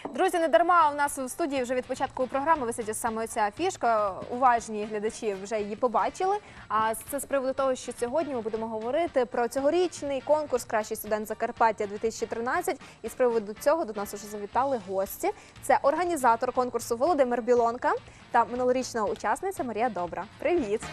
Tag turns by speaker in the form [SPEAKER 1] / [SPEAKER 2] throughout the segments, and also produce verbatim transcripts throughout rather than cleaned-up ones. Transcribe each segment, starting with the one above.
[SPEAKER 1] Друзі, не дарма у нас в студії вже від початку програми висить саме ця фішка. Уважні глядачі вже її побачили. А це з приводу того, що сьогодні ми будемо говорити про цьогорічний конкурс «Кращий студент Закарпаття дві тисячі тринадцять». І з приводу цього до нас вже завітали гості. Це організатор конкурсу Володимир Білонка та минулорічна учасниця Марія Добра. Привіт!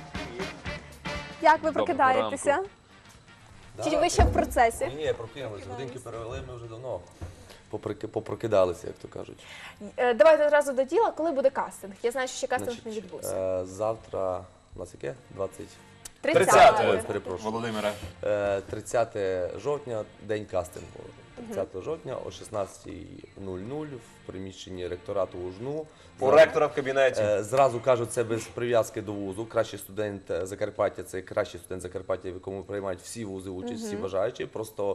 [SPEAKER 1] Як ви прокидаєтеся? Чи ви ще в процесі?
[SPEAKER 2] Ні, ні, прокинулися. Годинки перевели, ми вже давно попрокидалися, як то кажуть.
[SPEAKER 1] Давайте одразу до діла. Коли буде кастинг? Я знаю, що ще кастинг не відбувся.
[SPEAKER 2] Завтра, у нас яке? двадцять...
[SPEAKER 1] тридцятого.
[SPEAKER 2] Перепрошую.
[SPEAKER 3] Володимире.
[SPEAKER 2] тридцятого жовтня, день кастингу. тридцятого жовтня о шістнадцятій нуль нуль в приміщенні ректорату УЖНУ.
[SPEAKER 3] У ректора в кабінеті.
[SPEAKER 2] Зразу кажу, це без прив'язки до вузу. Кращий студент Закарпаття – це кращий студент Закарпаття, в якому приймають всі вузи участь, всі бажаючі. Просто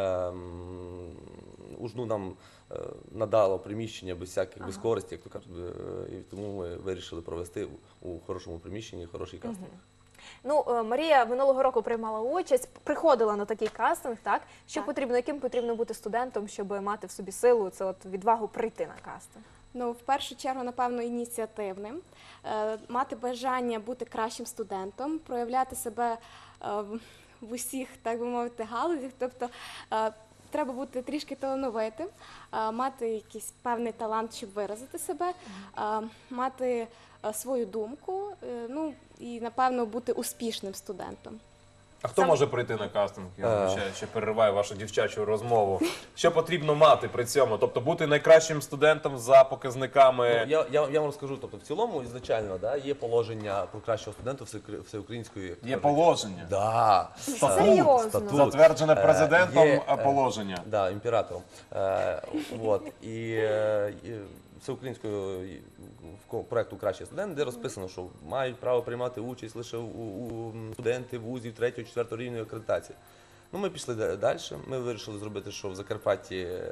[SPEAKER 2] ем, УЖНУ нам е, надало приміщення без всяких, без користі, як то кажуть, і тому ми вирішили провести у хорошому приміщенні хороший кастинг.
[SPEAKER 1] Ну, Марія минулого року приймала участь, приходила на такий кастинг, так? Що потрібно, яким потрібно бути студентом, щоб мати в собі силу, це от відвагу прийти на кастинг?
[SPEAKER 4] Ну, в першу чергу, напевно, ініціативним, е, мати бажання бути кращим студентом, проявляти себе е, в усіх, так би мовити, галузях, тобто е, треба бути трішки талановитим, е, мати якийсь певний талант, щоб виразити себе, е, мати е, свою думку, е, ну, і, напевно, бути успішним студентом.
[SPEAKER 3] А хто може прийти на кастинг? Я вибачаю, ще перериваю вашу дівчачу розмову. Що потрібно мати при цьому? Тобто бути найкращим студентом за показниками?
[SPEAKER 2] Ну, я, я, я вам розкажу, тобто в цілому, ізначально, да, є положення про кращого студента все- всеукраїнської...
[SPEAKER 3] Є положення.
[SPEAKER 2] Да.
[SPEAKER 1] Серйозно?
[SPEAKER 2] Статут.
[SPEAKER 3] Затверджене президентом
[SPEAKER 2] Є, е,
[SPEAKER 3] положення.
[SPEAKER 2] Да, імператором. Е, от. І, е, і всеукраїнського проєкту «Кращий студент», де розписано, що мають право приймати участь лише у, у студенти вузів третього-четвертого рівня акредитації. Ну, ми пішли далі. Ми вирішили зробити, що в Закарпатті, е,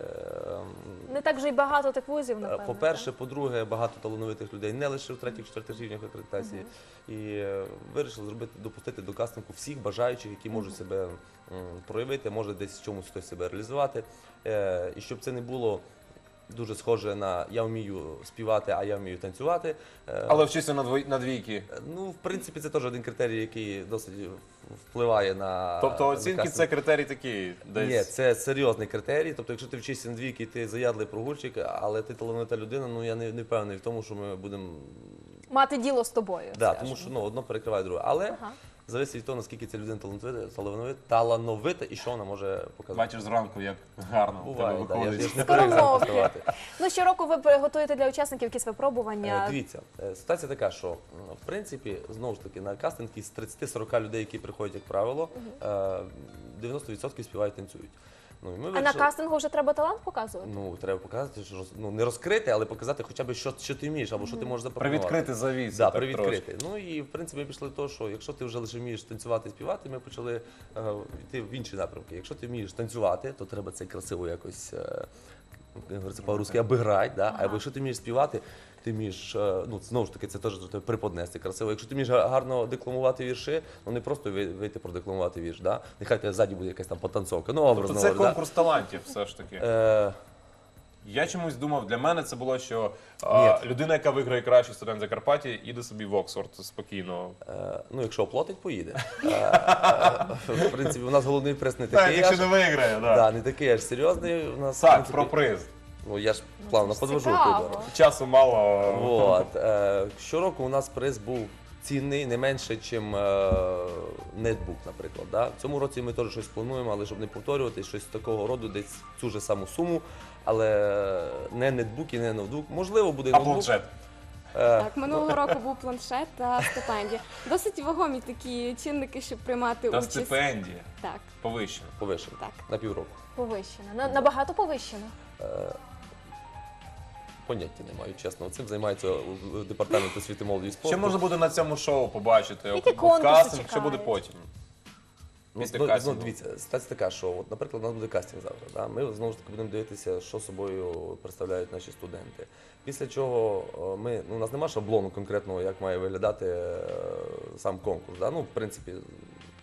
[SPEAKER 1] Не так вже й багато тих вузів, напевно.
[SPEAKER 2] по-перше, по-друге, багато талановитих людей, не лише в третіх-четвертих рівнях акредитації. І е, вирішили зробити, допустити до кастингу всіх бажаючих, які можуть себе м, проявити, може десь в чомусь хтось себе реалізувати. Е, і щоб це не було дуже схоже на «я вмію співати, а я вмію танцювати». Е,
[SPEAKER 3] Але вчися на, двой... на двійки.
[SPEAKER 2] Ну, в принципі, це теж один критерій, який досить впливає на...
[SPEAKER 3] Тобто
[SPEAKER 2] на
[SPEAKER 3] оцінки
[SPEAKER 2] кастинг.
[SPEAKER 3] це критерій такий? Десь...
[SPEAKER 2] Ні, це серйозний критерій. Тобто, якщо ти вчишся на двійки, ти заядлий прогульчик, але ти талановита людина, ну я не, не впевнений в тому, що ми будемо...
[SPEAKER 1] Мати діло з тобою.
[SPEAKER 2] Да,
[SPEAKER 1] скажімо.
[SPEAKER 2] тому що ну, одно перекриває друге. Але
[SPEAKER 1] Ага.
[SPEAKER 2] залежить від того, наскільки ця людина талановита, талановита, талановита і що вона може показати.
[SPEAKER 3] Бачиш зранку, як гарно в тебе
[SPEAKER 2] Буває, да, я ж
[SPEAKER 3] виходить.
[SPEAKER 2] не привик
[SPEAKER 1] Скоромовки.
[SPEAKER 2] записувати.
[SPEAKER 1] Ну, щороку ви готуєте для учасників якісь
[SPEAKER 2] Е,
[SPEAKER 1] випробування.
[SPEAKER 2] Дивіться, е, ситуація така, що м, в принципі, знову ж таки, на кастинг із тридцяти-сорока людей, які приходять, як правило, е, дев'яносто відсотків співають, танцюють. Ну, і ми
[SPEAKER 1] А на
[SPEAKER 2] вирішили-
[SPEAKER 1] кастингу вже треба талант показувати?
[SPEAKER 2] Ну, треба показати, що роз- ну, не розкрити, але показати хоча б, що, що ти вмієш, або що ти можеш запропонувати.
[SPEAKER 3] Привідкрити завісу.
[SPEAKER 2] Да,
[SPEAKER 3] так
[SPEAKER 2] привідкрити. Ну і в принципі ми пішли до того, що якщо ти вже лише вмієш танцювати і співати, ми почали е, йти в інші напрямки. Якщо ти вмієш танцювати, то треба це красиво якось, е, як говориться по-русски, обіграти. Да? А якщо ти вмієш співати, ти вмієш, е, ну знову ж таки, це теж тебе приподнести красиво. Якщо ти вмієш гарно декламувати вірші, ну не просто ви- вийти продекламувати вірш, да? Нехай тебе ззаді буде якась там потанцовка. Ну, образно
[SPEAKER 3] Тобто це
[SPEAKER 2] говоря,
[SPEAKER 3] конкурс талантів все ж таки.
[SPEAKER 2] да? Е,
[SPEAKER 3] Я чомусь думав, для мене це було, що а, людина, яка виграє кращий студент Закарпаття, іде собі в Оксфорд спокійно.
[SPEAKER 2] Е, ну, якщо оплатить, поїде. Е, е, В принципі, у нас головний приз не
[SPEAKER 3] Так,
[SPEAKER 2] такий,
[SPEAKER 3] якщо
[SPEAKER 2] аж,
[SPEAKER 3] не виграє, так.
[SPEAKER 2] да, не такий аж серйозний. У нас, в
[SPEAKER 3] Так,
[SPEAKER 2] принципі,
[SPEAKER 3] про приз.
[SPEAKER 2] ну, я ж плавно
[SPEAKER 1] ж
[SPEAKER 2] подвожу
[SPEAKER 1] цікаво.
[SPEAKER 2] туди.
[SPEAKER 3] Часу мало.
[SPEAKER 2] От, е, щороку у нас приз був цінний не менше, ніж е, нетбук, наприклад. Да? В цьому році ми теж щось плануємо, але щоб не повторювати, щось такого роду, десь цю ж саму суму, але не нетбук і не ноутбук. Можливо, буде
[SPEAKER 3] А
[SPEAKER 2] ноутбук.
[SPEAKER 3] планшет?
[SPEAKER 2] Е,
[SPEAKER 4] Так, минулого року був планшет та стипендія. Досить вагомі такі чинники, щоб приймати
[SPEAKER 3] Та
[SPEAKER 4] участь.
[SPEAKER 3] стипендія.
[SPEAKER 4] Так,
[SPEAKER 3] Повищена.
[SPEAKER 2] Повишено.
[SPEAKER 4] так.
[SPEAKER 2] На півроку.
[SPEAKER 1] Повищено. На- Набагато повищено.
[SPEAKER 2] Поняття не маю, чесно. Цим займається у- у департамент освіти, молоді і спорту.
[SPEAKER 3] Що можна буде на цьому шоу побачити?
[SPEAKER 1] Які
[SPEAKER 3] От
[SPEAKER 1] конкурси
[SPEAKER 3] кастинг, що
[SPEAKER 1] чекають?
[SPEAKER 3] буде потім?
[SPEAKER 2] Ну,
[SPEAKER 3] Після
[SPEAKER 2] ну,
[SPEAKER 3] кастингу.
[SPEAKER 2] ну, дивіться, ситуація така, що, от, наприклад, у нас буде кастинг завтра. Да? Ми знову ж таки будемо дивитися, що собою представляють наші студенти. Після чого о, ми, ну, у нас немає шаблону конкретного, як має виглядати е, сам конкурс. Да? Ну, в принципі,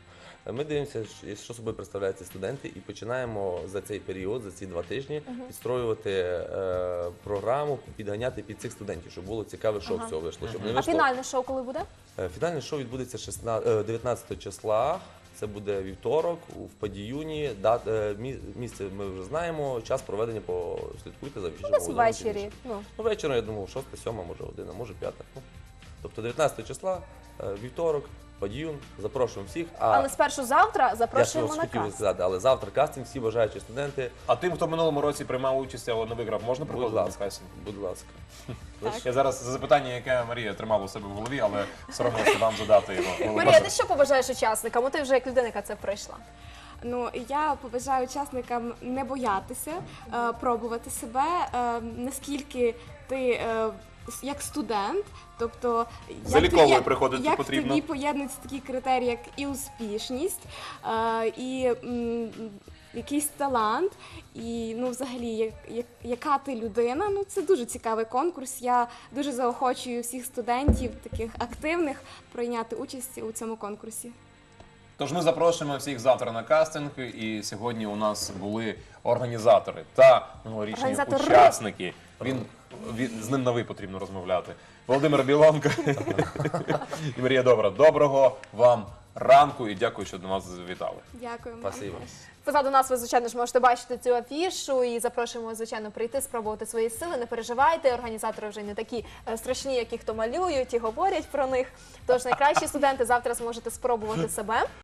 [SPEAKER 2] Е, Ми дивимося, що- що собою представляють ці студенти, і починаємо за цей період, за ці два тижні, підстроювати е, програму, підганяти під цих студентів, щоб було цікаве шоу
[SPEAKER 1] Ага.
[SPEAKER 2] з цього вийшло. Щоб не
[SPEAKER 1] А
[SPEAKER 2] вийшло.
[SPEAKER 1] фінальне шоу коли буде?
[SPEAKER 2] Е, Фінальне шоу відбудеться шістнадцятого е, дев'ятнадцятого числа. Це буде вівторок в Падіюні. Дат- е, мі- Місце ми вже знаємо. Час проведення послідкуйте за афішами.
[SPEAKER 1] Десь
[SPEAKER 2] Володимира
[SPEAKER 1] ввечері.
[SPEAKER 2] Тимченка.
[SPEAKER 1] Ну,
[SPEAKER 2] Ну, вечором, я думаю, шоста, сьома, може година, може п'ята. Ну, тобто дев'ятнадцятого числа, е, вівторок, Падіюн. Запрошуємо всіх. А
[SPEAKER 1] але спершу завтра
[SPEAKER 2] я
[SPEAKER 1] запрошуємо
[SPEAKER 2] ж
[SPEAKER 1] на
[SPEAKER 2] хотів
[SPEAKER 1] каст.
[SPEAKER 2] сказати, але завтра кастинг, всі бажаючі студенти,
[SPEAKER 3] А тим, хто в минулому році приймав участь, але не виграв, можна
[SPEAKER 2] будь
[SPEAKER 3] приходити на
[SPEAKER 2] ласка,
[SPEAKER 3] кастинг?
[SPEAKER 2] будь ласка.
[SPEAKER 4] Так.
[SPEAKER 3] Я зараз за запитання, яке Марія тримала у себе в голові, але соромилася вам задати його.
[SPEAKER 1] Марія, ти що побажаєш учасникам? От ти вже як людина, яка це пройшла.
[SPEAKER 4] Ну, я побажаю учасникам не боятися, е, пробувати себе, е, наскільки ти е, с- як студент, тобто як
[SPEAKER 3] Заліковою
[SPEAKER 4] ти- як-
[SPEAKER 3] приходити
[SPEAKER 4] як
[SPEAKER 3] потрібно.
[SPEAKER 4] тобі поєднуються такі критерії, як і успішність, е, і м, якийсь талант, і ну, взагалі, як, як, яка ти людина. Ну, це дуже цікавий конкурс. Я дуже заохочую всіх студентів, таких активних, прийняти участь у цьому конкурсі.
[SPEAKER 3] Тож ми запрошуємо всіх завтра на кастинг, і сьогодні у нас були організатори та минулорічні
[SPEAKER 1] Організатори.
[SPEAKER 3] учасники. Він, він з ним на ви потрібно розмовляти. Володимир Білонко і Марія Добра. Доброго вам ранку і дякую, що до нас завітали.
[SPEAKER 4] Дякую вам.
[SPEAKER 2] Спасибо.
[SPEAKER 1] Позаду нас ви, звичайно ж, можете бачити цю афішу і запрошуємо, звичайно, прийти, спробувати свої сили. Не переживайте, організатори вже не такі е, страшні, які хто малюють і говорять про них. Тож найкращі студенти завтра зможете спробувати себе.